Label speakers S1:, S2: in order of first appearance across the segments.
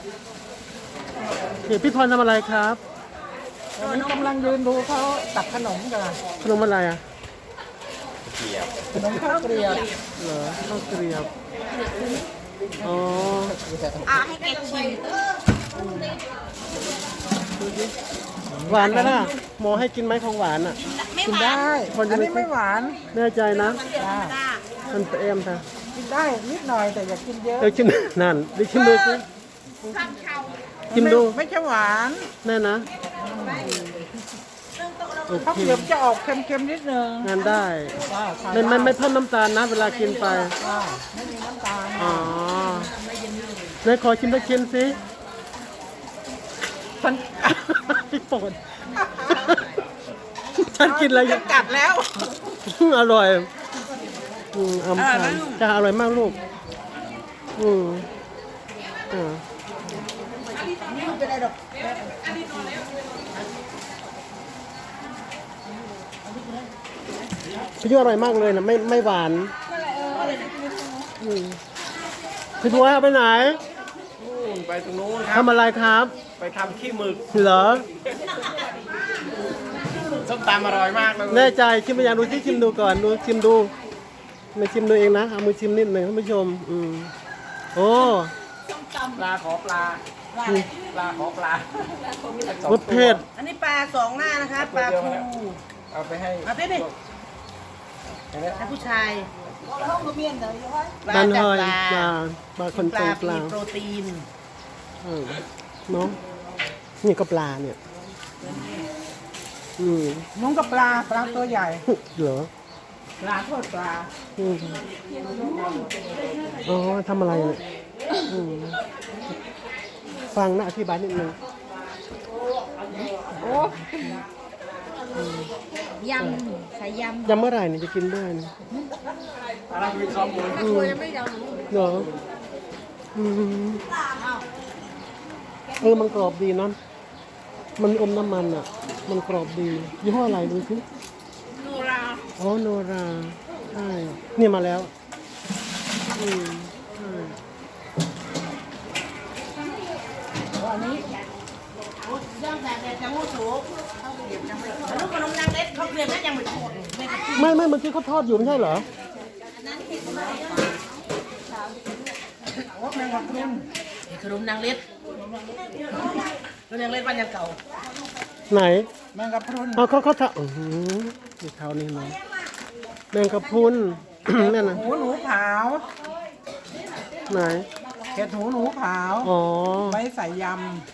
S1: เดี๋ยวพี่พรทำอะไรครับ
S2: ตอนนี้กำลังยืนดูเขาตักขนมกัน
S1: ขนมอะไรอ่ะ
S2: ขนมข้าวเกลียบ
S1: เหรอข้าวเกรียบอ๋อ
S3: ให้แกชิม
S1: หวานไหมล่ะหมอให้กินไหมของหวานอ่ะ
S3: ไม่
S2: กิน
S3: หวาน
S2: ได้อันนี้ไม่หวาน
S1: แน่ใจนะ
S3: มันเดือดธรรมดา
S1: มันเอ็มค่ะ
S2: กินได้นิดหน่อยแต่อย่ากินเยอะ
S1: เดี๋ยวชิมนั่นเดี๋ยวชิมดูสิ
S3: ข้ามเชา
S1: ชิมดู
S2: ไม่ใช่หวาน
S1: แน่นะโอ
S2: ข้าว
S1: เค
S2: เกลียบจะออกเค็มๆนิดนึง
S1: งานได้
S2: ว่าใช่
S1: ไม่เพิ่มน้ำตาลนะ เวลากินไป
S2: ว่าไม่มีน้ำตาล
S1: อ๋อไหนขอชิมสักชิ้นสิ
S2: ฉัน
S1: พี่ปนฉันกินอะไรอยู่
S2: กัดแล้ว
S1: อร่อยอำพันจะอร่อยมากลูกอ่า
S3: ไม่เป็นไรหรอก
S1: พี่ยูอร่อยมากเลยนะไม่หวานพี่บัวไปไหน
S4: ไปตรงนู้น
S1: ทำอะไรครับ
S4: ไปทำขี้หมึก
S1: เหรอ
S4: ส้มตำอร่อยมากเลย
S1: แน่ใจชิมไปยังดูที่ชิมดูก่อนดูชิมดูไม่ชิมดูเองนะเอามือชิมนิดหนึ่งท่านผู้ชมโอ้
S4: ปลาขอปลาปลาขอปลาร
S1: สเผ็ด
S3: อันนี้ปลาสองหน้านะคะปลาคู
S4: เอาไปให้
S3: มาเต้นดิให้ผู้ชายปลา
S1: ดัน
S3: จาก
S1: หอย
S3: ปลา
S1: ปลาคน
S3: ป
S1: ใจ
S3: ลา
S1: ปลา
S3: มีโปรตีน
S1: เนาะนี่ก็ปลาเนี่ย
S2: นุ้งกับปลาตัวใหญ่
S1: เหรอ
S2: ปลาทอดปลา
S1: อ๋อทำอะไรเนี่ยฟังนะอธิบายนิดนึง
S3: ยำใส่ยำ
S1: ยำเมื่อไหร่เนี่ยจะกินได้เนี่ย
S4: อะไรมีซอมบูน
S3: ตัวยังไม่ยำ
S1: เหรอมันกรอบดีนะมันอมน้ำมันอ่ะ มันกรอบดียี่ห้ออะไรดูสิ
S3: โนรา
S1: อ๋อโนราใช่เนี่ยมาแล้วใช่
S3: อันนี้ย่างแต่จะมูสูงอันนู้นขนมนางเล็ดเขาเกลียดนั่นยังไม่ถูกไม่กระชิ
S1: ไม่เมื่อกี้เขาทอดอยู่ไม่ใช่เหรอ
S2: ว่าแมงกะพรุน
S3: ขนมนางเล็ดขนมนางเล็ดวันยังเก่า
S1: ไหน
S2: แมงกะพรุน
S1: เขาทำนี่เท้านี่เนาะแมงกะพรุน นั่นนะ
S2: หูหนูขาว
S1: ไหน
S2: เห็ดหูหนูขาว
S1: อ๋อ
S2: ไว้ใส่ย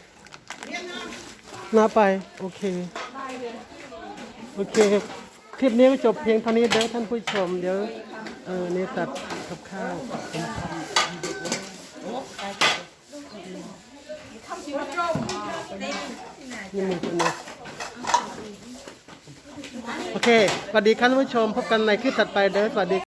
S1: นาไป โอเค โอเค คลิปนี้ก็จบเพียงเท่านี้เด้อท่านผู้ชม เดี๋ยวนี่ตัดกับข้าวนี่มึงคนนี้โอเค สวัสดีครับท่านผู้ชม พบกันในคลิปถัดไปเด้อ สวัสดี